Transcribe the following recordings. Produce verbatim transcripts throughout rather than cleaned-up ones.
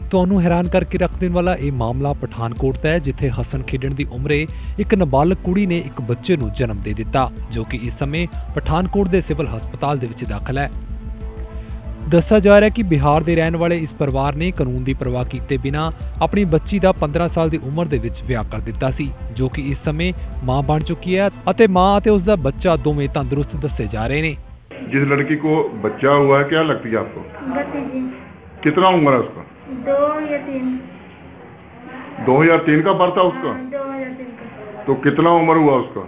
ਤੁਹਾਨੂੰ हैरान करके रख देने वाला यह मामला पठानकोट का है, जिथे हसन खेडण की उम्रे एक नाबालग कुड़ी ने एक बच्चे नूं जन्म दे दिता, जो कि इस समय पठानकोट के सिविल हस्पताल दे विच दाखिल है। दस्सिया जा रहा है कि बिहार के रहने वाले इस परिवार ने कानून की परवाह किए बिना अपनी बच्ची का पंद्रह साल की उम्र दे विच विआह कर दिता सी, जो कि इस समय मां बन चुकी है और मां और उसका बच्चा दोवें तंदुरुस्त दसे जा रहे हैं। जिस लड़की को बच्चा हुआ है, क्या लगती है आपको? भतीजी। कितना उम्र है उसका? दो या तीन। दो हजार तीन का बर्थ था उसका? हाँ, दो हजार तीन का। तो कितना उम्र हुआ उसका?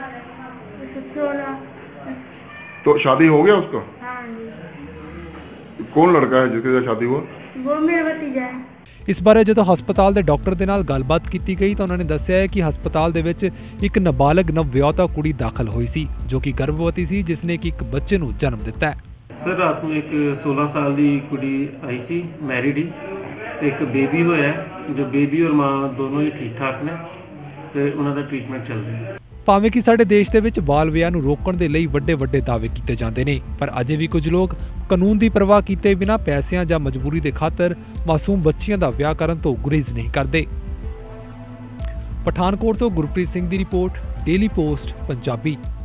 सोलह। तो शादी हो गया उसका? हाँ जी। कौन लड़का है जिसके साथ शादी हुआ? वो मेरा भतीजा है। इस बारे जो हस्पताल के डॉक्टर के नाल गलबात की गई तो उन्होंने दस्सिया है कि हस्पताल दे विच एक नाबालग नवविआहता कुड़ी दाखिल हुई सी, जो कि गर्भवती सी, जिसने कि एक बच्चे नूं जन्म दिता है। सर रात में एक सोलह साल की कुड़ी आई सी, मैरिड ही, एक बेबी होया है, जो बेबी और माँ दोनों ही ठीक ठाक ने ते उन्हां दा ट्रीटमेंट चल रहा है। भावें कि साडे देश दे विच बाल विआह नूं रोकण दे लई वड्डे वड्डे दावे कीते जांदे ने, पर अजे भी कुछ लोग कानून की परवाह कीते बिना पैसिਆਂ ਜਾਂ मजबूरी के खातर मासूम बच्चियां दा विआह करन तो गुरेज नहीं करते। पठानकोट तो गुरप्रीत सिंह की रिपोर्ट, डेली पोस्ट पंजाबी।